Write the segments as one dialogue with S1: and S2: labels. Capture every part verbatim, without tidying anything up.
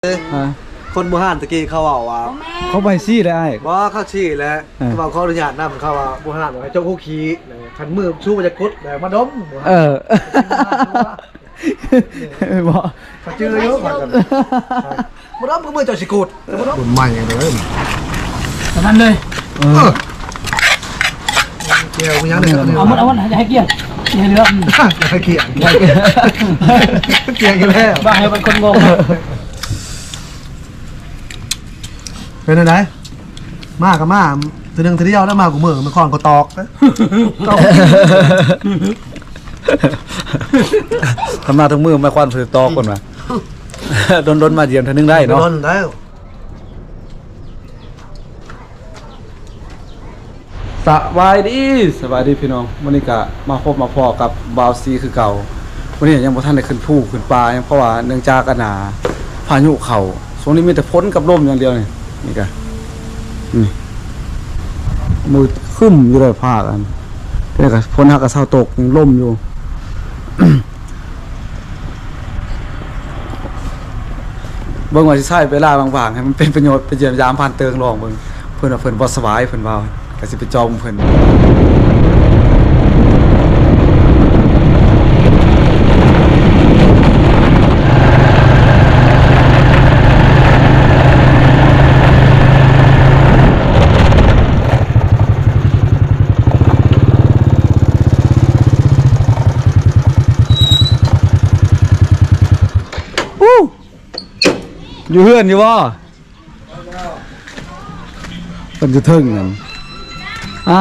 S1: คนโบราณตะกี้เขาเอาว่า
S2: เขาใบซี่ได้
S1: ว่าเขาชี้แล้วเขาบอกเขาอนุญาตนำเขาว่าโบราณให้เจ้าคู่ขี้ขันมือชูมันจะกุดแบบมาดม
S2: เออบอก
S1: เขาชื่อเยอะกว่ากันมาดมก็มือเจ้าสิกุดมาดมใหม่เลย
S3: ประมาณเลย
S1: เกี่ยวมีอย่างหนึ่ง
S3: เอาหมดเอาหมดให้เกี่ยวให้เรือ
S1: ให้เกี่ยวเกี่ยวกันแล้ว
S3: บ้าให้เป็นคนงง
S1: เป็นอะไรมากกับมากทีนึงทีเดียวแล้วมากูมือมันคอนกูตอก
S2: ทำมาทั้งมือมาควันถือตอกคนมาโดนโดนมาเยี่ยมทีนึงได้เนาะ
S1: โดนได้
S2: สบายดีสบายดีพี่น้องวันนี้ก็มาพบมาพอกับบาวซีคือเก่าวันนี้ยังบ่ทันได้ขึ้นภูขึ้นป่าเพราะว่าเนื่องจากอนาพายุเข้าช่วงนี้มีแต่ฝนกับลมอย่างเดียวนี่นี่ก็นี่มือคึ้มอยู่เลยภาคอันนี่ก็ฝนฮักกับเช้าตกยังลมอยู่ เบิ่งว่าสิใช้เวลาบางๆให้มันเป็นประโยชน์ไปเยี่ยมยามผ่านเติงรองเบิ่งเพิ่นว่าเพิ่นบ่สบายเพิ่นว่าก็สิไปจอมเพิ่นอยู่เฮือนอยู่บ่เพิ่นอยู่เทิงนั่นอ่ะ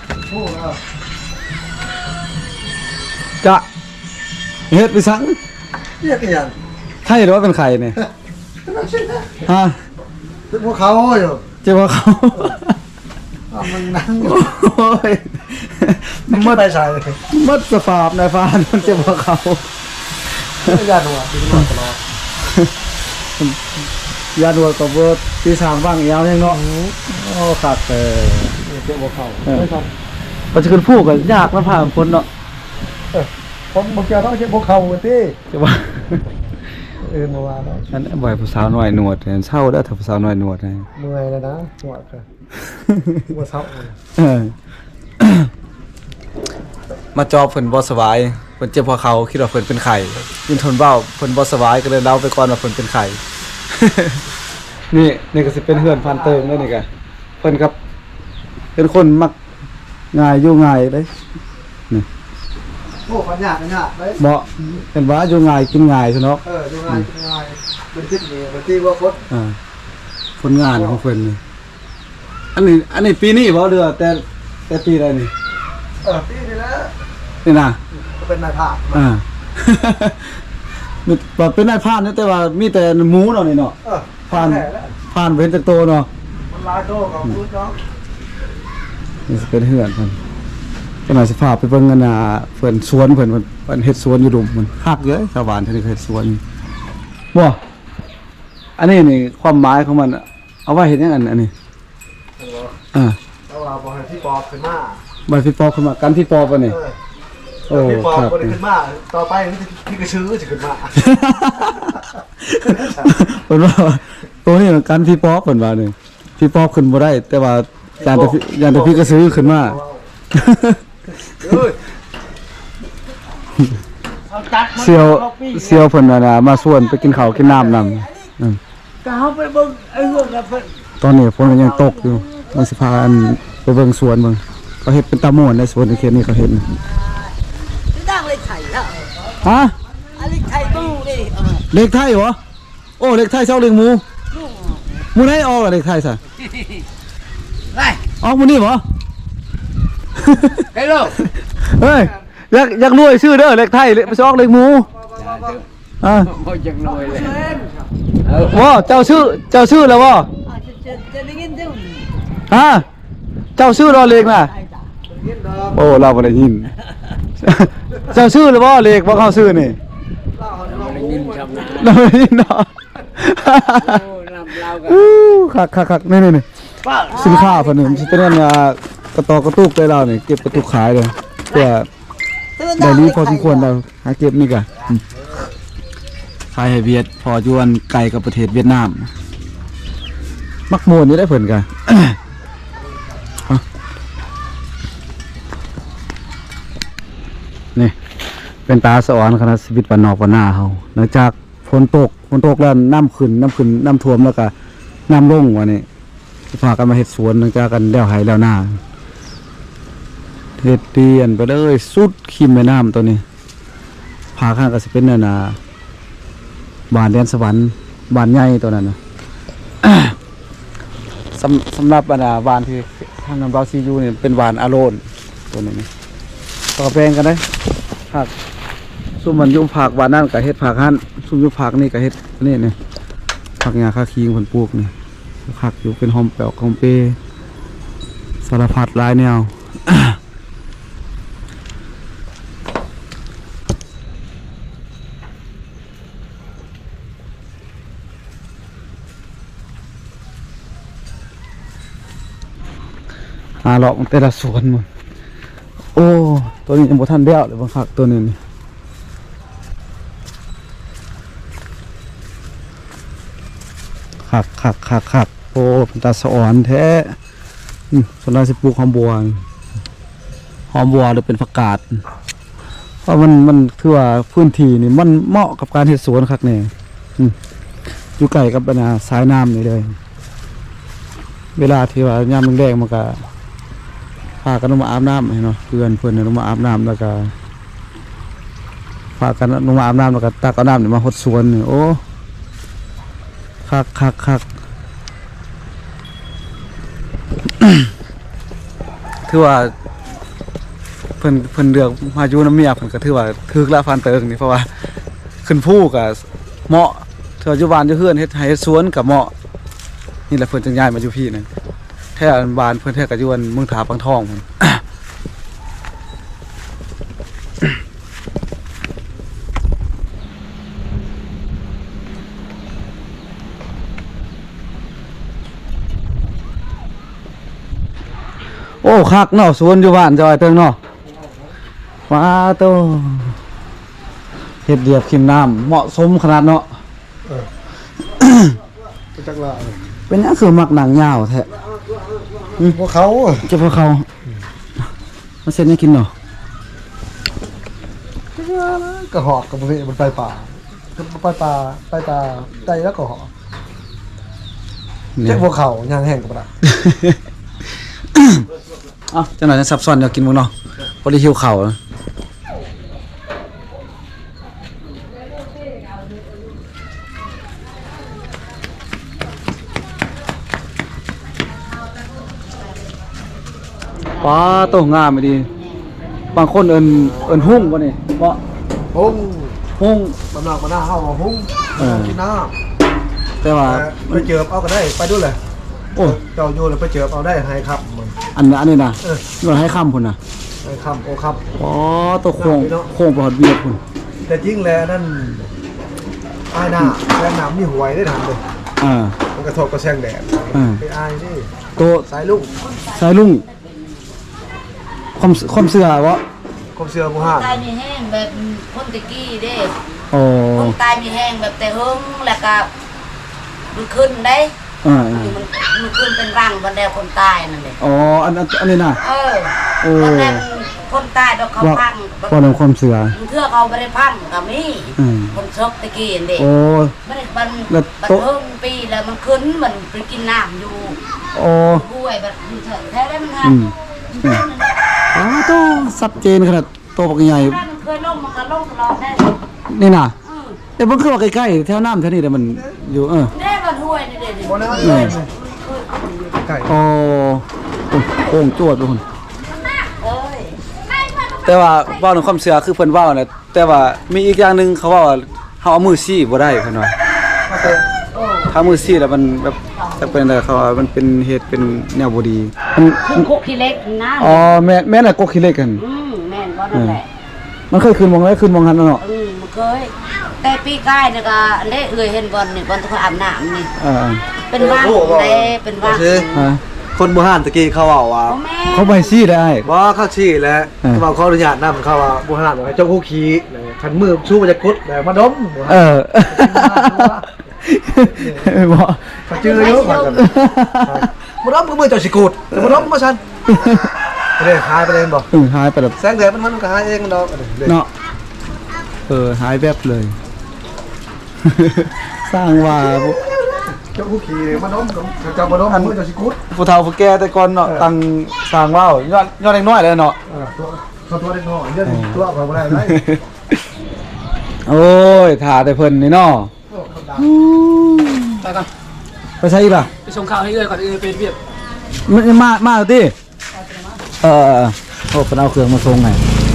S2: จะเฮ็ดไปสัง
S1: เรียกอย่าง
S2: ไข่หรือว่าเป็นไข่เนี่ยฮะ
S1: เป็นพวกเขาอยู่
S2: เจ้าพวกเขา
S1: มันนั่ง
S2: โอ้ย
S1: มัดไปใส่
S2: มัดสภาพนายฟ้ามันเจ้าพวกเขา
S1: ไม่ยากหรอกดีมากตลอด
S2: ยาดัวกับเบิร์ดที่สามบ้างยาวยังเนาะโอ้ขาดเออ
S1: เจ้าพวกเขา
S2: ปัจจุบันพูดกันยากแล้วผ่านคนเนาะ
S1: ผมบอกจะต้องเจ้าพวกเขาที่
S2: จะว่า
S1: เออเมื่อวาน
S2: นั่นบ่อยผู้สาวหน่อยหนวดเห็นเศร้าแล้วถ้าผู้สาวหน่อยหนวดไง
S1: เมื่อยแล้วนะหนวดค่ะเมื่อเช้า
S2: มาจอบเพิ่นบ่สบายเพิ่นเจ็บพอเขาคิดว่าเพิ่นเป็นไข้ยินทนเบ้าเพิ่นบ่สบายก็เลยเล่าไปก่อนว่าเพิ่นเป็นไข้นี่นี่ก็สิเป็นเฮือนพันเติมแล้วนี่ก็เพิ่นครับเป็นคนมักง่ายอยู่ง่ายเด้นี่
S1: โอ้ปัญญาปัญญาเด้
S2: เหมาะเห็นว่าอยู่ง่ายกินง่ายซั่นเนาะ
S1: เอออยู่ง่ายกินง่ายเป็นคิดนี่บ่ที่ว่าคน
S2: อ่าผลงานของเพิ่นนี่อันนี้อันนี้ปีนี้บ่เดือแต่แต่ปีใดนี่
S1: เออปีนี้แล้ว
S2: นี่น่ะ
S1: เป็นนายพราน
S2: อ่ามีบ่เป็นนายพรานแต่ว่ามีแต่หมูเนาะนี่เนาะ
S1: เออ
S2: พรานพรานเว้นจากโตเนาะ
S1: มันลายโตของพูดเนาะ
S2: นี่สิเป็นเฮือนเพิ่นขณะสิพาไปเบิ่งกันน่ะเพิ่นสวนเพิ่นเพิ่นเฮ็ดสวนอยู่ดุมมันคักเยอะชาวบ้านเพิ่นเฮ็ดสวนบ่อันนี้นี่ความหมายของมันเอาไว้เฮ็ดหยังอันอันนี้อ่า
S1: เอาเราบ่ให้พี่ปอบขึ้นมา
S2: บ่พี่ปอบขึ้นมากันพี่ปอบป่ะนี่
S1: โอ้พี่ปอบบ่ได้ขึ้นมาต่อไปพี่กระชื้อสิขึ้นมา
S2: เพิ่นว่าตัวนี้มันกันพี่ปอบเพิ่นว่านี่พี่ปอบขึ้นบ่ได้แต่ว่าย่านแต่ย่านแต่พี่กระชื้อขึ้นมาเซียวเซียวเพิ่นน่ะมาชวนไปกินข้าวกินน้ำนำอือ
S3: ก็เฮาไปเบิ่งไอ้เรื่องน่ะเพิ่น
S2: ตอนนี้ฝนก็ยังตกอยู่มันสิพาอันไปเบิ่งสวนเบิ่งเขาเฮ็ดเป็นตะม่วนในสวนในเขตนี้เขาเฮ็ด
S3: ตั้งเลขไทยอ่ะ
S2: ฮะ
S3: เลขไทยตู้ดิ
S2: เลขไทยเหรอโอ้เลขไทยเซาเลขหมูหมูไหนออกล่ะเลขไทยซะ
S3: ไป
S2: ออกมื้อนี้บ่
S3: ไอ้ลูก
S2: เฮ้ยอยากอยากรวยชื่อเด้อเลขไทยไปซอกเลขหมูอ่า
S3: บ่อยากรวยเลย
S2: บ่เจ้าชื่อเจ้าชื่อแล้วบ่
S3: จะได้ยินจัง
S2: ฮะเจ้าชื่อรอเลขน่ะโอ้เราบ่ได้ยินเจ้าชื่อแล้วบ่เลขบ่เข้าชื่อนี่
S3: เราได้ยินคำนั้น
S2: เราได้ยินเนาะ
S3: โอ้นำเรา
S2: ก็คักๆๆนี่ๆสินค้าเพิ่นนี่สิเป็นอันกระตอกระตุกได้แล้วนี่เก็บกระตุกขายเลยเพื่อได้รีพอสมควรแล้วหาเก็บนี่ก็ขายให้เวียดพออยวนไกลกับประเทศเวียดนามมักโมนนี่ได้เพิ่นกัน นี่เป็นตาสะออนคณะชีวิตบ้านนอกบ้านนาเฮาหลังจากฝนตกฝนตกแล้วน้ำขึ้นน้ำขึ้นน้ำท่วมแล้วก็น้ำลงวันนี้สิพากันมาเฮ็ดสวนหลังจากกันแล้วไห้แล้วหน้าเฮ็ดเตียนไปเลยสุดขิมแม่น้ำตัวนี้พาข้างก็สิเป็นนั่นน่ะบ้านแดนสวรรค์บ้านใหญ่ตัวนั้นน่ะ สำสำหรับบรรดาบ้านที่ทางน้ำบาซียูนี่เป็นบ้านอาโรนตัวนี้นี่ต่อแปลงกันได้ผักซุ่มมันยุ่มผักบ้านนั่นกับเฮ็ดผักหั่นซุ่มยุ่มผักนี่กับเฮ็ดนี่นี่ผักหญ้าคาคิงเพิ่นปลูกนี่ผักอยู่เป็นหอมแปลกหอมเปสารพัดหลายแนว หาเลาะมันแต่ละสวนหมดโอ้ตัวนี้ยังบ่ทันเดียวเลยบางคักตัวนี้นี่คักคักคักคักโอ้เป็นตาสะอ่อนแท้อืมส่วนเราสิปลูกหอมบัวนี่หอมบัวหรือเป็นผักกาดเพราะมันมันคือว่าพื้นที่นี่มันเหมาะกับการเฮ็ดสวนคักแน่อืมอยู่ใกล้กับปัญหาสายน้ำนี่เลยเวลาที่ว่ายามแดงๆมันก็พากันลงมาอาบน้ำเนาะเพื่อนเพื่อนลงมาอาบน้ำแล้วก็พากันลงมาอาบน้ำแล้วก็ตักเอาน้ำนี่มาหดสวนนี่โอ้คักคักคัก ถือว่าเพิ่นเพิ่นเลือกมาอยู่น้ำเมียเพิ่นก็ถือว่าถึกละฟันเติงนี่เพราะว่าขึ้นภูก็เหมาะเถื่ออยู่บ้านอยู่เฮือนเฮ็ดไร่เฮ็ดสวนก็เหมาะนี่แหละเพิ่นจึงย้ายมาอยู่พี่นั่นแท้บ้านเพิ่นแท้ก็อยู่อันเมืองถาปังทองพุ่น โอ้คักเนาะสวนอยู่บ้านจอยเติงเนาะว้าโตเฮ็ดเรียบขิมน้ำเหมาะสมขนาดเนาะ
S1: จักละ
S2: เป็นหยังคือมักหนังยาวแท้
S1: พวกเขา
S2: เจ้าพวกเขามาเซ็นให้กินเนาะ
S1: กระหอกกับมันมันไปป่าไปป่าไปตาไตแล้วก็หอกเจ้าพวกเขายางแห้งกับละ
S2: เอ้าจังหน่อยจะซับซ้อนอยากกินมึงเนาะพอดีหิวข้าวนะป้าโตงามไม่ดีบางคนเอิ้นเอิ้นหุ่งบ่นี่บ่
S1: หุ้ง
S2: หุ่ง
S1: บำนักมาหน้าเข้ามาหุ้ง
S2: เออ
S1: กินน้
S2: แต่ว่า
S1: ำไปเจอเอาก็ได้ไปด้วยเลย
S2: โอ้
S1: เจ้าอยู่เลยไปเจอเอาได้ให้ครับมัน
S2: อันนี้อันนี้นะ
S1: เออ
S2: เงินให้ค่ำพุ่นน่ะ
S1: ให้ครับโอ้ครับ
S2: อ๋อตัวโค้งโค้งประหอดเวียดพุ่น
S1: แต่จริงแล้วนั่นอายหน้าแรงหนามนี่หวยได้ทำเลย
S2: อ่า
S1: มันกระทบกระแซงแดด
S2: อ่า
S1: ไปอายนี่
S2: ตัว
S1: สายลูก
S2: สายลุงความความเสื่อวะ
S1: คมเสือมูฮัน
S4: ตายมีแห้งแบบคนตะกี้เด้
S2: โอ้
S4: คนตายมีแห้งแบบแต่หึงแล้วก็มันขึ้นได้
S2: อ่า
S4: มันมันขึ้นเป็นรังบันไดคนตายนั่นเลย
S2: อ๋ออันอันอันนี้นะ
S4: เออ
S2: โอ้
S4: บันไดคนตายเราเขา
S2: ว่า
S4: พัง
S2: ว่าเรื่องความเสื่อ
S4: มันเทื่อเขาไม่ได้พังก็มี
S2: อืม
S4: คนชกตะกี้เด็ก
S2: โอ้
S4: มันมัน
S2: แล้ว
S4: มัน
S2: โต๊ะ
S4: หึงปีแล้วมันขึ้นมันไปกินน้ำอยู่
S2: โอ้
S4: ห้วยแบบอยู่เถอะแท้ได้มันหั
S2: อื
S4: น
S2: มอืมอ๋อตัวชัดเจนขนาดตัวปักใหญ่
S4: ถ้ามันเคยลงมันก็ลงตลอดได้
S2: นี่น่ะ
S4: อืม
S2: แต่มันคือว่าใกล้ๆแถวน้ำแถวนี้แต่มันอยู่เออ
S4: ได้มันห้วยนี่เด็ด
S1: โมนะ
S2: อืม
S1: ไก่
S2: โอ้โค้งจวดไปพุ่น
S4: เอ้ย
S2: แต่ว่าเว้าในความเชื่อคือเพิ่นเว้าน่ะแต่ว่ามีอีกอย่างหนึงเขาเว้าว่าเฮาเอามือซี่บ่ได้เพิ่นว่าถ้ามือซี่แล้วมันแบบจะเป็นอะไรเขาว่ามันเป็นเหตุเป็นแนวบ่ดีมัน
S4: คือคุกขี้เล็กนะ
S2: อ๋อแม่แม่น่ะกกขี้เหล็กกัน
S4: อืมแม่นว่านั่นแหละ
S2: มันเคยขึ้นมองได้ขึ้นมองหันแล้วเนาะ
S4: อืมมันเคย แต่ปีกายเนี่ยก็เละเอื่อยเห็นบอลนี่บอลทุกคนอาบน้ำนี่
S2: อ่า
S4: เป็นว่างเด้เป็นว่าง
S1: คือ
S2: ฮะ
S1: คนมูฮันตะกี้เขาเอาว่า
S4: โอ้แม่
S2: เขาไปซี่ได้
S1: บ่เข้าชี้แล้ว
S2: เออ
S1: เขาขออนุญาตนำเขาว่ามูฮันให้เจ้าคู่ขี้ขันมือชูจะกุดแต่มาดม
S2: เออบ่
S1: เขาจื้อเยอะกว่ากันมาดมมือมือเจ้าสิกุดแต่มาดมมาชันไปเลยหายไปเลยบอก
S2: เออหายไปแบบ
S1: แสงแดดมันมันก็หายเองมันดอก
S2: เนาะเออหายแวบเลย สร้างว่า
S1: เจ้าผู้ขี่มาดมกับเจ้ามาดมมือเจ้าสิกุด
S2: ผู้เฒ่าผู้แก่แต่ก่อนเนาะตั้งสร้างว่าวย้อนย้อนเล็กน้อยเลยเนาะ
S1: ตัวตัวตัวเล็กน้อยเดี๋ยวตัวเขาไม่ได้ไร
S2: โอ้ยถ่าแต่เพิ่นนี่เนาะ
S3: ไปก่อน
S2: ไปใช่อีกล่ะ
S3: ไปส่งข่าวให้เอ้ยก่อนเอ้ยเป็นเวียบ
S2: มันมามาเอาติเออโอ้เพิ่นเอาเครื่องมาส่งไง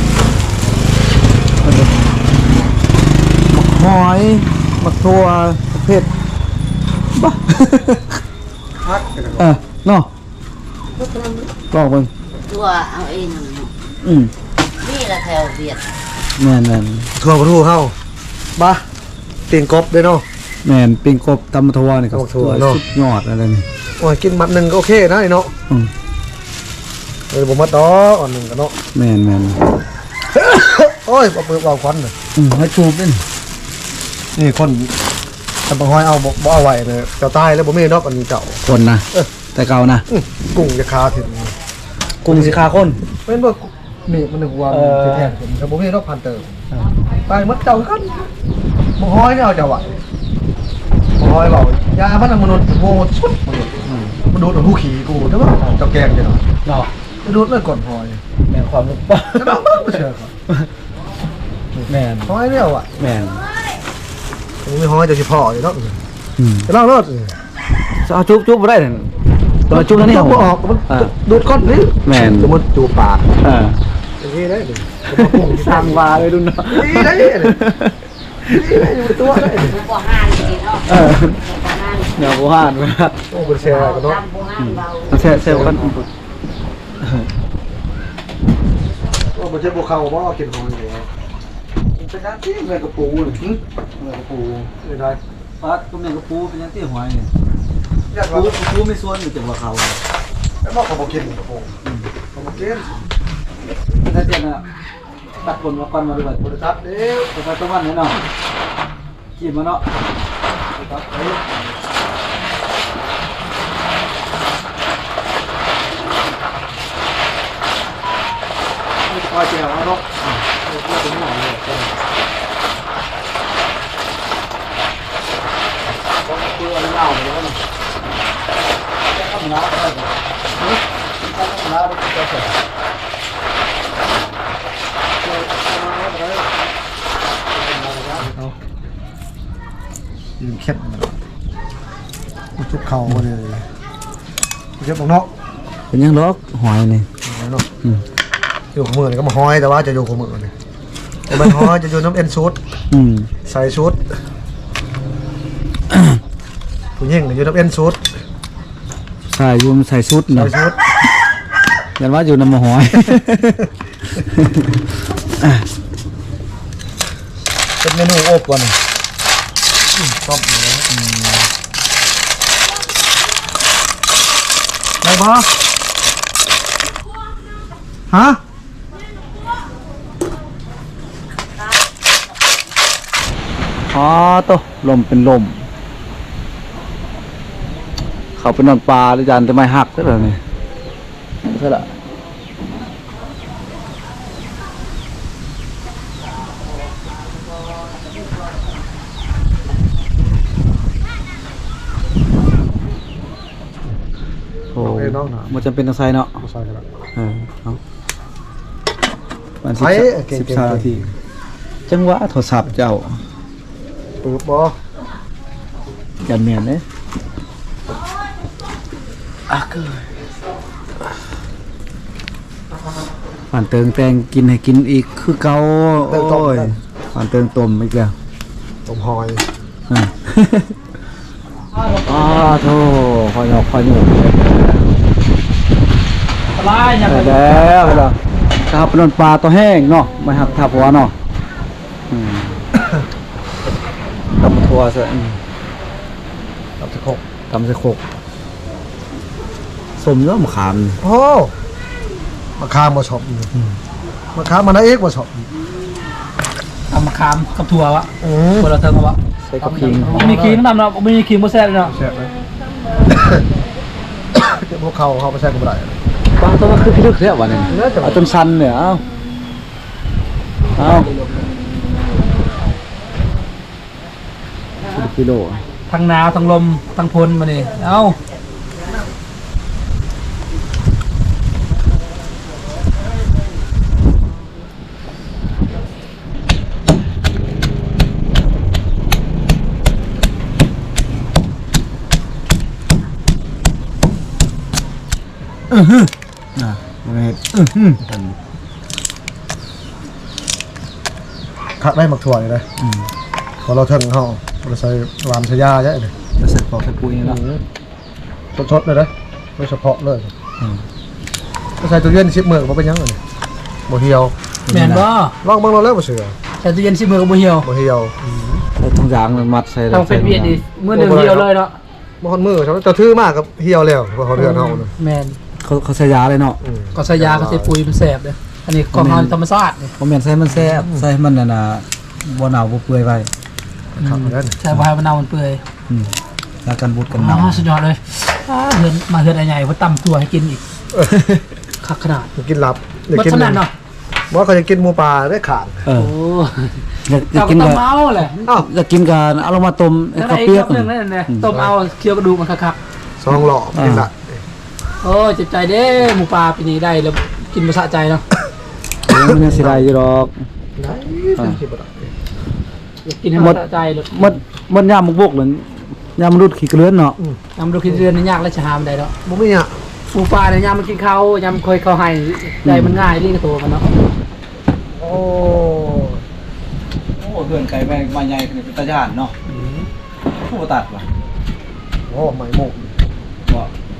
S2: มักหอยมักทั่วประเภทบ้า
S1: พัก
S2: เออเนาะลองเบิ่ง
S4: ตัวเอาเอง
S2: อืม
S4: นี่ละแถวเวียด
S2: แม่นแม่น
S1: ทัวร์กระทู้เข้าบ้าเตียงกบด้วยเนาะ
S2: แม่นปิ้งกบตำทั่วนี่ก็
S1: ตำทั่วเนาะ
S2: สุดยอดอะไรนี่
S1: โอ้ยกินมัดหนึ่งก็โอเคนะไอ้เนาะ
S2: อืม
S1: เออผมมาต่ออ่อนหนึ่งกันเนาะ
S2: แม่นแม่น
S1: โอ้ยเอาเปลือกเอาควันเลย
S2: อืมให้ชูบนี่
S1: นี่คนทำปลาหอยเอาบ่บ่เอาไว้เลยเจ้าตายแล้วบ่มีดอกอันนี้เจ้า
S2: คนนะ
S1: เออ
S2: แต่เก่านะ
S1: อื้อกุ้งจะคาถึง
S2: กุ้งสิคาคน
S1: เป็นบ่นี่มันหนึ่งวัน
S2: เออ
S1: แท้ๆผมแต่บ่มีดอกพันเติมตายหมดเจ้ากันบ่หอยเนี่ยเอาเจ้าไว้บ่หอยบอกยามันน่ะมนุษย์โง่สุดมนุษย์มันดูดเอาผู้ขี่กูแต่ว่าเจ้าแกงจังเนาะ
S2: เนาะ
S1: มันดูดเลยก่อนหอย
S2: แม่นความรู้ป่ะ
S1: จะต้องบ่เชื่อครับ
S2: แม่น
S1: หอยเนี่ยว่ะ
S2: แม่น
S1: ผมมีหอยเจะสิพ่ออยู่เนาะ
S2: อืม
S1: จะเล่ารถ
S2: จะเอาจุ๊บจุ๊บบ่ได้นั่นตัวจุ๊บนั่นนี่
S1: บ่ออกมัน
S2: อ่า
S1: ดูดก้อนนี่
S2: แม่น
S1: สมมุติจูบปาก
S2: อ่า
S1: อย่างนี้ได้ดิผมมาพุ่ง
S2: สร้างว่าเลยดุนเนาะ
S1: นี่ได้ดินี่ได้อยู่ตัวได้ดิ
S4: ผู้บ่ห้านสิเนาะ
S2: เออ
S4: บ่ห้าน
S2: เดี๋ยวบ่ฮานเว้ย
S1: โอ้เป็นแชร์กันเนาะ
S4: ตามบ่ห้านเบา
S2: เอาแซ่แซ่กัน
S1: โอ้มันจะบวกเขาเพราะว่ากินหอยอยู่แล้ว
S2: เป็นการที่แม่กระปูนี่แม่กระปู
S1: ไม่ได้
S2: ฟัดก็แม่กระปูเป็นยังที่หอยนี่
S1: อยาก
S2: ปู
S1: ว่า
S2: ปูไม่ส่วนอยู่จังหวะเขา
S1: แล้วบอกเขาบอกกินโอ้เขาบอกกิน
S2: ถ้าเจนน่ะตัดผลมาก่อนมาด้วย
S1: บริษัทเดียว
S2: แต่ต้องวันนี้เนาะกินมาเนาะ
S1: บริษัทเดียวไม่คอยแจวเนาะไม่คอยถึงไหนเลยต้องคุยอะไรเล่าเลยนะทำน้ำอะไรเนี่ยทำน้ำอะไรก็เสร็จยืนเข็ดมันจุกเข่าเลยเจ็บตรงเนาะ
S2: เป็นยังล็อกหอยนี่
S1: เนาะ
S2: อืม
S1: อยู่ขมือนี่ก็มาห้อยแต่ว่าจะอยู่ขมือนี่แต่มันห้อยจะอยู่น้ำเอ็นชุด
S2: อืม
S1: ใส่ชุดผู้หญิงก็อยู่น้ำเอ็นชุด
S2: ใส่รวมใส่ชุด
S1: ใส่
S2: เนาะ
S1: ชุด
S2: ยันว่าอยู่น้ำมะหอย
S1: เป็นเมนูอบก่อนชอบเลยได้ปะฮะ
S2: อ๋อโตลมเป็นลม เขาเป็นนอนปลาหรือยันจะไม่หักใช่ไหมนี่ใช่ละโอ้มันจำเป็นต้องใส่เนาะ
S1: ใส่กันละ
S2: เออเอาวัน
S1: ใส่
S2: สิบ
S1: เก่งๆ
S2: สิบสามนาทีจังหวะโทรศัพท์เจ้า
S1: ปึ๊บบอ
S2: ยันเมียนเนี่ยอ่ะคือผ่านเติงแตงกินให้กินอีกคือเก่าโอ้ยผ่านเติงต้มอีกแล้ว
S1: ต้มหอย
S2: อ่ะอ้าโธ่คอยหยอกคอยหยอก
S3: สบายยัง
S2: ได้แล้วไปแล้วครับเป็นนปลาตัวแห้งเนาะไม่หักทับหัวเนาะอืมตำทัวซะอืม
S1: ตับสะโคก
S2: ตำใส่โคกสมเนื้อมะขาม
S1: โอ้มะขามมาชอบมะขามมันได้เอกมาชอบ
S2: ต
S3: ำมะขามกับถั่ววะ
S1: อืม
S3: คนละเทิงเอาวะ
S2: ใส่กับขิง
S3: มีครีมน้ำเนาะมีครีมโมแซ่บเนาะ
S1: แซ่บเลยเดี๋ยวพวกเขาเขาไปใช้กับอะไร
S2: บางตัวมันคือพิลึกเรียกว่าเนี่ย
S1: น่าจะ
S2: เอาจนชันเนี่ยเอาเอากิโล
S3: ทั้งหนาวทั้งลมทั้งพลมาเนี่ยเอ้า
S2: อ่ะมันเห็ดอื้อหือกัน
S1: คักได้หมักถั่วเลยนะพอเราเทิงเขาเราใส่รามชายาเยอะเลย
S2: จะใส่ปอกใส่ปุ๋ยนี่เนาะ
S1: สดๆเลยนะโดยเฉพาะเลยก็ใส่ตู้เย็นชิปมือเขาเป็นยังไงโมเฮียว
S3: แม่นบ่
S1: ลองเบิ่งเราแล้วบ่เสือ
S3: ใส่ตู้เย็นสิมือกับบ่เหี่ยว
S1: โมเฮียว
S2: ใส่ถุงยางมันมัดใส่
S3: ต้องเป็นเวียดดิมื้อหนึงเหี่ยวเลยเนาะ
S1: บ่ฮอนมือเขาจะทื่อมากกับเฮียวแล้วเพราะเขาเดือนเฮานะ
S3: แม่น
S2: เขาเขาใส่ยาเลยเนาะ
S3: ก็ใส่ยาก็ใส่ปุ๋ยมันแซ่บเลยอันนี้ของเฮาธรรมชาตินี่
S2: ผมเห็นใส่มันแซ่บใส่มันน่ะนะบ่หนาวบ่เปื่อยไป
S1: ครับนั่น
S3: ใส่บ่ให้มันเน่ามันเปื่อย
S2: อืมแล้วกันบูดกันห
S3: อ๋
S2: นาว
S3: อสุดยอดเลยอ่าเฮือนมาเฮือนไอ้ใหญ่เพิ่นตำตัวให้กินอีกคักขนาด
S1: กินหลับ
S3: บ่ขนาดเนาะ
S1: บ่เขาจะกินหมูปลาได้ขาด
S2: เออ
S3: โอ้
S2: อยากอยาก
S3: เจ้า
S2: กิ
S3: ก็
S2: น
S3: ต้
S2: กั
S3: อบ งเมาแหละ
S1: อ้าว
S2: อยากกินกันเอาลงมาต้มไอ้
S3: แล้ว
S2: ข้าว
S3: ไอ้
S2: เปีย
S3: ค
S2: ก
S3: รับนึงนั่นน่ะต้มเอาเคี่ยวกระดูกมันคัก
S1: ซองหล่อกินละ
S3: ๆโอ้เจ็บใจเด้หมูปลาปีนี้ได้แล้วกินบ่สะใจเนาะ
S2: เดี๋ยวมันยังสิได้อยู่ดอก
S1: ได้เป็นสิบ่ได้
S3: กินให้มันสะใจเลย
S2: มันมันยามมุกบกเหมือนยามมนุษย์ขี้เกลือนเนาะ
S3: ยำดูคิดเดือนนี่ยากแล้วจะหามันได้เนาะ
S1: บ่มีอ่ะ
S3: หมูปลาเนี่ยยำมันกินข้าวยำเคยเข้าให้ได้มันง่ายรีบตัวมันเนาะ
S1: โอ้
S2: โอ้เดือนไก่แม่มาใหญ่ขึ้นเป็นตาญาณเนาะผู้ตัดว่ะ
S1: โหไหมหมก
S2: บ่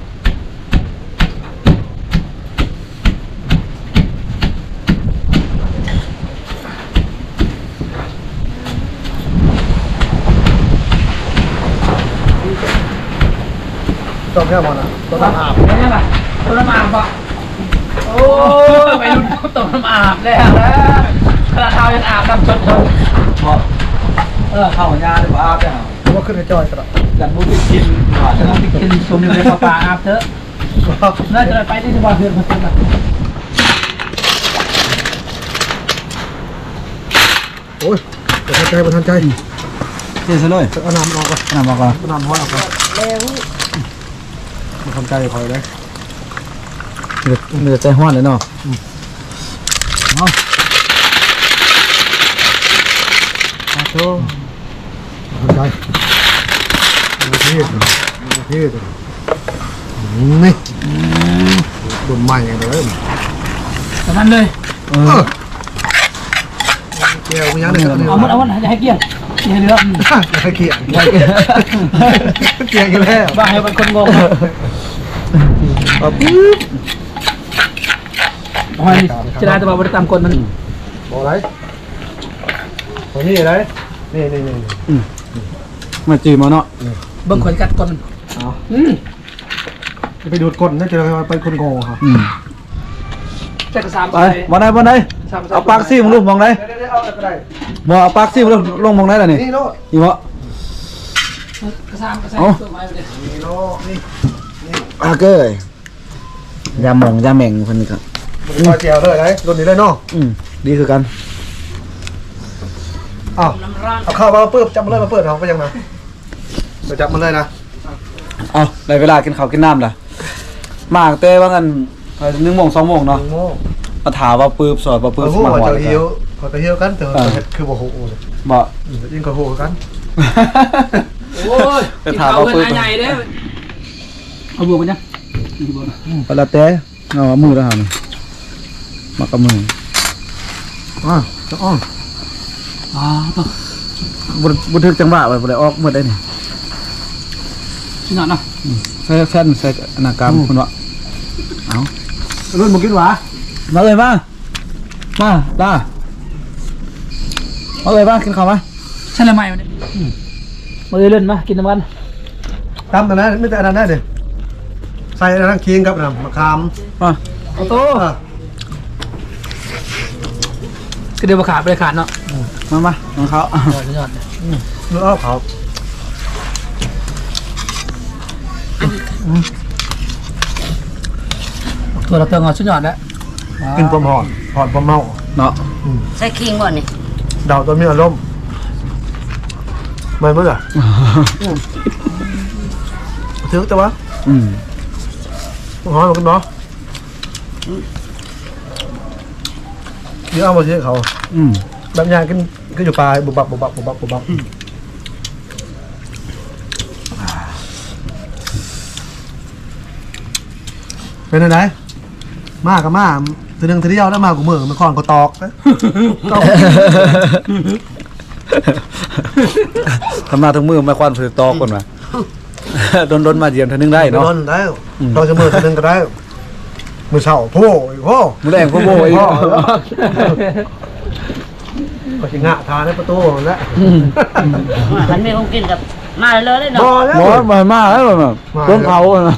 S1: ต้มแค่บ่น่ะต้มน้ำอาบ
S3: เป็นยังไงต้มน้ำอาบปะโอ้ไปรุ่นต้มน้ำอาบแล้วนะขนาดเท้ายังอาบน้ำชดเลย
S2: บ่เออเข้าหญ้าได้บ่อาบได้เหรอ
S1: เพราะว่าขึ้นให้จอยกระดาษ
S2: ยันบ่ได้กินว่า
S3: จะ
S2: จะ
S3: ต้องไปกินชมในปลาอาบเถอะน่าจะไปที่ที่บ้านเพื่อนมาเถอะ
S1: โอ้ยบ่ทันใจบ่ทันใจ
S2: เจ๊ซะเลย
S1: เอาน้ำออกก่อน
S2: น้ำมาก่อน
S1: เอาน้ำห้อยออกก่อนบ่ทันใจคอยเลย
S2: มันจะใจฮ้อนเลยเนาะเอาเอาโต
S1: บ่ทันใจนี่นี่นี่นี่โดนไหม้อย่างเดียวเลย
S3: ตอนนั้นเลย
S2: เออ
S1: เกี่ยวมันยังได้สักนิด
S3: เอามันเอามันจะให้เกี่ยงอย่าให้เหลือ
S1: อย่าให้เกี่ยงเกี่ยงกันแล้ว
S3: บ้าให้เป็นคนงง
S2: เอาปึ๊บ
S3: หอยจะได้แต่ว่าบริตามคนมัน
S1: บอกอะไรตัวนี้อะไรนี่นี่นี่
S2: มาจีมาเนาะ
S3: เบิ่งขนกัดก่อนอืม
S1: จะไปดูดก้นน่าจะไปคนโง่ครับ
S2: อืม
S3: แต่กระซาม
S2: ไปบ่ได้บ่ได้เอาปากซี่มึงลูกมองได้
S1: เดี๋ยวเอาอะไร
S2: บ่เอาปากซี่มึงลูกลงมองได้ล่ะนี่
S1: นี่โล
S2: อีบ่
S3: กระซามกระซามตัวไม้ไปเลย
S1: นี่โลนี่
S2: อาเกยยาหมองยาแหม่งเพิ่นครับ
S1: มันมาแจวเลยไรรุ่นนี้เลยเนาะ
S2: อืมดีคือกัน
S1: อ้าวเอาข้าวมาเปิดจับมาเลยมาเปิดเอาไปยังไงไปจับมันเลยนะ
S2: เอาได้เวลากินข้าวกินน้ำล่ะมากแต่ว่างั้นหนึ่งโมงสองโมงเนาะ
S1: โม่
S2: มาถามว่าปื๊บสอดว่าปื๊
S1: เปิ
S2: บ
S1: ด
S2: ส
S1: หู
S2: มา
S1: ว่า
S2: หอด
S1: จะหิวพอจะหิวกันแต่คือบ่หู
S2: บ่
S1: ยิ่งกว่าหูกัน
S3: โอ้ยเอาเงินใหญ่เด้เอาบวกกันยัง
S2: ก็แล้วแต่เอามือแล้วหั่นมากับมือ
S1: อ่าจะอ้อม
S3: อ๋อตัว
S2: บ่บ่ถึกจังหวะไว้บ่ได้ออกหมดได้นี่
S3: ชิ้นหนาเนาะ
S2: ใส่แฟนใส่หน้ากากคุณว่าเอา
S1: รุ่นมึงกินหวา
S2: มาเลยมามาลามาเลยมากินข้าวมา
S3: ใช่เลยไหมวันนี้มาเล่นมากินน้ำมัน
S1: ตำแต่นั้นไม่แต่อันนั้นได้เลยใส่อันนั้นเคียงกับน้ำมะขาม
S2: มา
S3: โอ้โตก็เดี๋ยวมาขาดไปขาดเนาะ
S2: มามาน้องเขา
S3: ยอดยอด
S1: เนื้อเขา
S3: ตัวเราเติมเอาชุดยอดแล้ว
S1: กินปลาหอนหอนปลาเมา
S2: เนาะ
S4: ใส่คิงก่อนนี่
S1: ดาวตัวมีอารมณ์ไม่เมื่อไหร่ถือแต่ว่า
S2: อืม
S1: หอนกันเนาะเดี๋ยวเอามาเชื่อเขา
S2: อืม
S1: แบบยางกินก็อยู่ปลายบุบบับบุบบับบุบบับบุบบับเป็นยังไงมากกับมาทีนึงทีเดียวแล้วมากูมือมันคอนก็ตอกนะ
S2: ทำหน้าทั้งมือไม่ควันถือตอก่อนมาโดนโดนมาเยี่ยมทีนึงได้
S1: โด
S2: เนาะ
S1: นได้ตอนจะมือทีนึงก็ได้มือเช้าโถ่อีกโถ่
S2: มือแรงพ่อโบอีก
S1: ก็ชิงะทานในประตูแล้ว
S4: มันมีของกินกับมาเลยเลย
S1: พอ
S4: เนาะ
S1: แล้ว
S2: โอ้ยมามาแล้วแบบต้นเผาอะนะ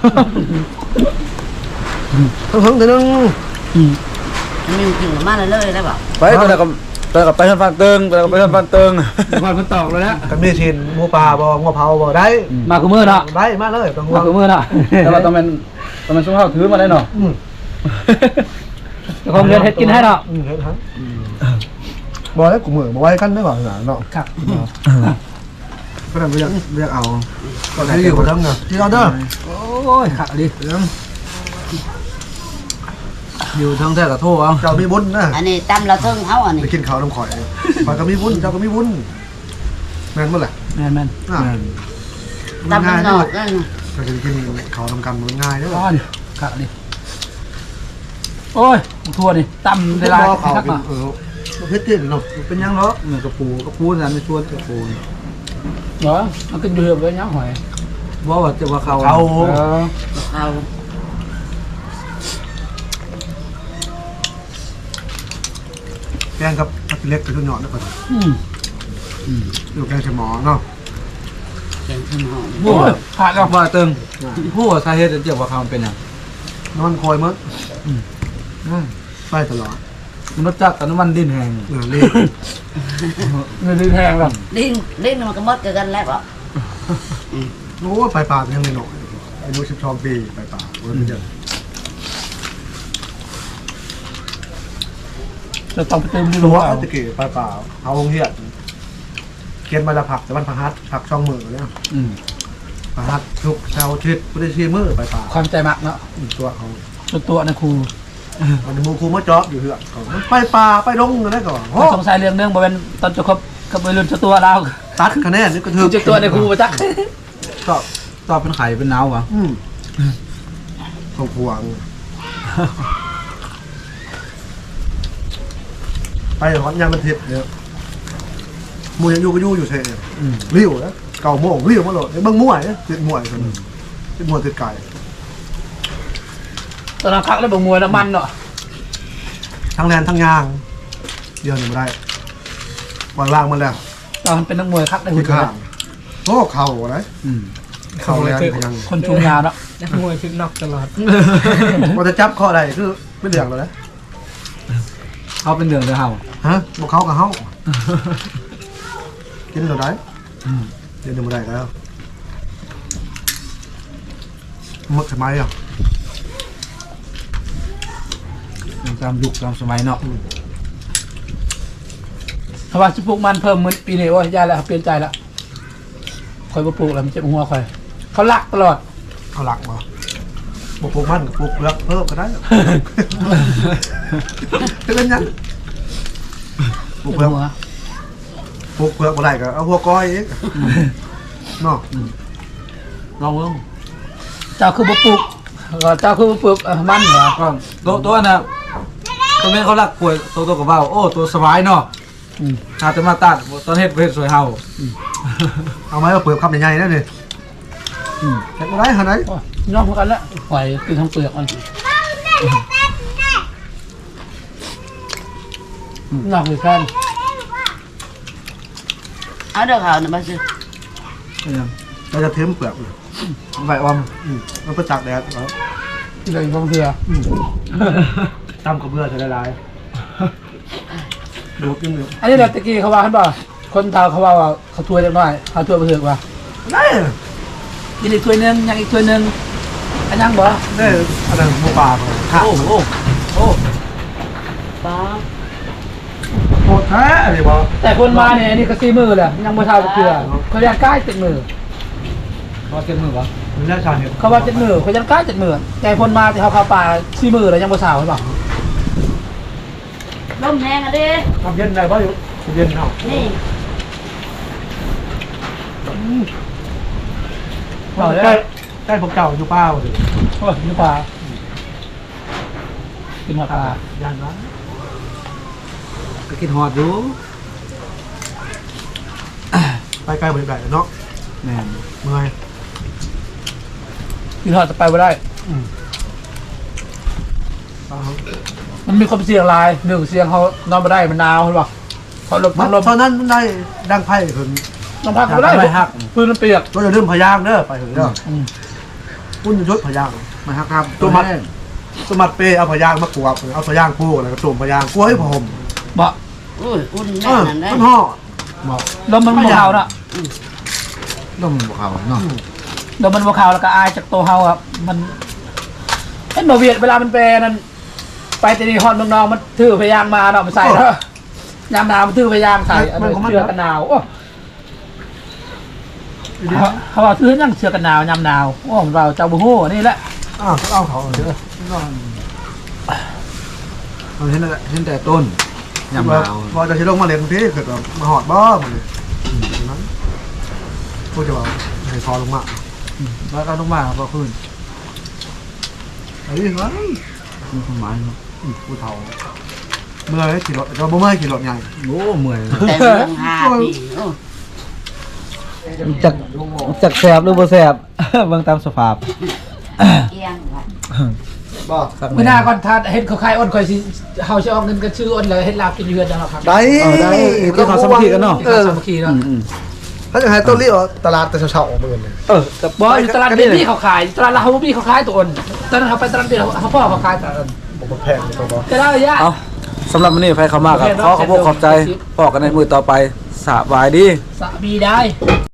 S1: ทั้งทั้งทีนึง
S4: มันมีของกินกับมาเลยเลยได้เปล่า
S2: ไปตอนนั้นก็ตอนนั้นก็ไปทางฟันเติงตอนนั้นก็ไปทางฟันเติง
S3: ควันมันตอกเลยนะ
S1: กันมีชินหมูปลาบ่งัวเผาบ่ได้
S3: มาคือมือเนาะ
S1: ได้มาเลยต้อง
S3: มาคือมือเนาะ
S2: แต่ว่าต้องเป็นต้องเป็นช่วงเท้าถือมาได้เนาะ
S1: อืม
S3: คงเรียนเฮ็ดกินให้เนาะ
S1: อืมเห็นฮะบ่ได้กูมือบ่ไว้กันได้บ่หนาเนาะ
S3: ครับ
S1: ก็ได้เรียกเรียกเอาก็ได้อยู่บ่ทั้งน่ะที่เอาเด้อ
S3: โอ้ยขัดดิ
S1: เรื่อง
S2: อยู่ทางแท้กับโทษเอา
S1: เจ้ามีบุญนะ
S4: อันนี้ตำเราเทิงเฮาอันนี้
S1: ไปกินข้าวน้ำข่อยข่อยก็มีบุญเจ้าก็มีบุญแม่นบ่ล่ะ
S3: แม่นแม่น
S1: อ่า
S4: ตำมันนอกนั่น
S1: ก็จะกินข้าวน้ำกันมันง่ายเด้อ
S3: ก้อนขัดดิโอ้ยทั่วดิตำได้ลาย
S1: บ่ข้าว
S3: ชัก
S1: เป็น
S3: มา
S1: เออเฮ็ดกินเนาะ
S2: เป็นยังเนาะเหมือนกระปูกระปูนั่นไม่ชวนกระปู
S3: เหรอมันก็อยู่เรื่อยๆยังหอย
S2: ว่าว่าจะว่าเขา
S1: เขา
S3: เออ
S4: เอา
S1: แกงกับผักเล็กกับชุนหยอดนะก่อน
S3: อืม
S1: อยู่แกงใส่หมอเนาะ
S4: แกงขึ้นหอม
S3: โอ้ยขาดแล้ว
S2: ว่าเติงผู้สาเหตุจะว่าเขาเป็นยัง
S1: นอนคอยมั้งไปตลอด
S2: มันรสจัดแต่น้ำมันดินแห้ง
S1: เออเล่
S3: เงินดื้อแพงแบบ
S4: ลิ้นลิ้นมันก็หมดกันแล้วเปล่า
S1: โอ้ไปป่ายังไม่หน่อยอายุสิบสองปีไปป่าเว้ยเยอะ
S3: จะต้องไปเติมดิน
S1: รู้
S3: หัว
S1: ว่า
S3: เอา
S1: ตะกี้ไปป่าเอาองเฮียเกียนมาละผักแต่วันพหัสผักช่องมือเนี่ย
S2: อืม
S1: พหัสทุกเช้าชิดไม่ได้ชี้มือไปป่า
S3: ความใจมักเนาะ
S1: ตัวเขา
S3: ตัวตัวนะครู
S1: วันนี้มูคูมาจอบอยู่เหือกเขาไปป่าไปลงกันได้ก่อนโอ้
S3: ไม่สงสัยเรื่องเนื่องบริเวณตอนจะครบกับวัยรุ่นเจ้าตัวเรา
S1: ตัดคะแนนนี่ก็ถื
S3: คือ อเจ้าตัวในครูมาจัก
S1: ก็
S2: ตอบเป็นไข่เป็นน้าวะ
S1: อืมเขาพวงไปหอนยางมันทิพย์เนี่ยมูยังอยู่ก็อยู่อยู่เฉยริ้วนะเก่าโม่งริ้วมาโหลดเบิ้งมั่วเนี่ยติดมั่วคนติดมั่วติดไก่
S3: ตอนนั้นคักแล้วบ่มวยน้ำมันเนาะ
S1: ทั้งแลนทั้งยางเดียวหนึ่งไม่ได้ปล่อยว่างมันแล้ว
S3: ตอนเป็นนักมวยคักได้
S1: ที่
S3: หุ่น
S1: ข้างโอ้เข่าอะไร
S2: อืม
S1: เข่าแรงยัง
S3: คนชุมยาเนาะ
S5: นักมวยชุดนอกตลอด
S1: พอจะจับข้อใดคือไม่เดือดเลยนะ
S2: เขาเป็นเดืองเดือเห่า
S1: ฮะบอกเขากับเขากินเราได้กินเราไม่ได้แล้วหมดสมัยอ่ะ
S2: ตามยุคตามสมัยเนาะ
S3: ถ้าว่าจะปลูกมันเพิ่มเหมือนปีนี้โอ้ยยายแล้วเปลี่ยนใจแล้วคอยบ่ปลูกแล้วมันเจ็บหัวคอยเขาลักตลอด
S1: เอาหลักมาปลูกปลูกมันกับปลูกเปลือกเพิ่มก็ได้เป็นเล่นยังปลูก
S3: เจ็
S1: เปลือก
S3: บหัว
S1: ปลูกเปลือกบ่ได้ก็เอาหัวก้อยเองเนาะ
S2: ลองเบิ่ง
S3: เจ้าคือบ่ปลูกก็เจ้าคือบ่ปลูกเอ่อมันเหรอ
S2: ก็ตัวตัวน่ะตัวนี้เขารักป่วยตัวตัวกับเบ้าโอ้ตัวสบายเนาะ
S3: อืม
S2: อาจจะมาตัดตอนเฮ็ดเฮ็ดสวยเห่า
S1: เอาไหมเอาเปลือกคำใหญ่ๆนั่นนี่
S2: อืม
S1: เห็นบ่ได้หาไหน
S3: โอ้ยน้องเหมือนกันแล้วปล่อยกินทั้งเปลือกมันนอกเลยแฟน
S4: เอาเด้อเขาเนี่ยมาซื้อ
S2: เป็นยัง
S1: เราจะเทมเปลือกเลย
S2: ใบออม
S1: อืมมันไปตากแดดเอา
S3: ที่เลยบางเถื่อ
S1: ตำกระเบื้อใส่ละลายดูกินอยู่
S3: อันนี้แบบตะกี้เขาว่าเขาบอกคนเฒ่าเขาว่าว่าเขาถ้วยเล็กน้อยเขาถ้วยไปเถอะว่า
S1: ได้
S3: กินอีกถ้วยหนึงยังอีกถ้วยหนึงอันยังบ่
S1: ได้อะไรหมูป่าข้าว
S3: โอ้โหโอ้ป้า
S1: โคตรแท้เลยบอ
S3: แต่คนมาเนี่ยอันนี้ก็ซีมือแหละยังบ่เท่าเกลือเขายังใกล้ติดมือเขาติดมือวะ
S1: มันได้ชาเนี่ย
S3: เขาว่าติดมือเขายังใกล้ติดมือแต่คนมาที่เขาเข้าป่าซีมือแล้วยังบ่เท่าใช่ป่ะ
S4: ลมแรงอ่ะดิ
S1: ทำเย็นได้ป่ะอยู่เย็นเนาะ
S4: นี่
S1: ใกล้ใกล้พวกเก่าอยู่ป้าเลย
S3: โอ้ยนี่ปลากินหัวปลา
S1: ยันนะก็กินหอดอยู่ไปใกล้บริการเนาะ
S2: แม่น
S1: เมื่อย
S3: กินหัวจะไปไม่ได้ มันมีความเสี่ยงหลายหนึ่งเสี่ยงเขานอนไม่ได้มันหนาวใช่ป่ะเขาลม
S1: มั
S3: มัน นลม
S1: ตอนนั้นได้ดังไพ่ถึง
S3: นอนพักไม่ได้
S1: ไม่หัก
S3: พื้นมันเปียก
S1: ก็จะเริ่มพยางเด้อไปถึงเด้อ
S3: อืม
S1: พุ่นยศพยาง
S2: มาฮักครับ
S1: ตัวมัดตัวมัดเปเอาพยางมากวบเอาพยางคู่แล้วก็ตุ่มพยางกลัวให้ผม
S3: บ่
S4: อุ้ยอุ่น
S1: เอ
S4: แน่
S1: อ
S4: นั่นได้
S1: มันห่อ
S3: ลมมันบวขาวน่ะ
S2: ลมบ่เข้าเนาะ
S3: ลมมันบวขาวแล้วก็อายจากตัวเฮาอ่ะมันเห็นบ่เวียดเวลามันแปรนั่นไปแต่นี่ฮอดเมืองนอกมันถือพยางมาเนาะมันใส่เนาะยามหนาวมันถือพยางใส่อันนี้เสื้อกันหนาวโอ้เขาเขาบอกถือยังเสื้อกันหนาวยามหนาวโอ้เราเจ้าบุฮู้นี่แหละ
S1: อ้าวเอาเขาเด้อ
S2: เราเห็นแต่เห็นแต่ต้นยามหนาว
S1: พอจะชิลงมาเรียนพี่เกิดมาหอดบ้ามันเลยนั้นพูดจะว่าให้คอลงมา
S2: แล้วก็ลงมาก็ขึ้น
S1: ไอ้นี่วะ
S2: มีความหมายเนาะ
S1: ผู้เฒ่าเมื่อยขี่รถก็บ่เมื่อยขี่รถใหญ่
S2: โอ้เมื่อย
S4: แต่เรื่องหาปีโอ้
S2: จักจักแสบหรือบ่แสบ เบิ่งตามสภาพ
S4: เอียงว่ะ
S1: บ่
S3: ไม่น่าก่อนทานเห็นเขาขายอ้นคอยสิเฮาสิเอาเงินกันชื่ออ้นเลยเฮ็ดลาบกินเยือนจังหรอครับ
S1: ได้
S2: เออได้ที่เขาสามัคคีกันเนาะ
S1: เออ
S3: สามัคคีเนาะ
S2: อืม
S1: ถ้าจะให้ต้นรีบตลาดแต่เช้าๆออกมาเลย
S2: ๆเออกับ
S3: บ่อยู่ตลาดเบบี้เขาขายตลาดลาวบ่มีเขาขายตัวอ้นตอนนั้นเขาไปตลาดเบบี้เขาพ่อเขาขายตลาดอ้น
S1: ผมแพงตัวบ่
S3: จะได้ระยะ
S2: เอาสำหรับมื้อนี้ไผเข้ามาครับขอขอบคุณขอบใจพอกันในมือต่อไปสบายดี
S3: สามีได้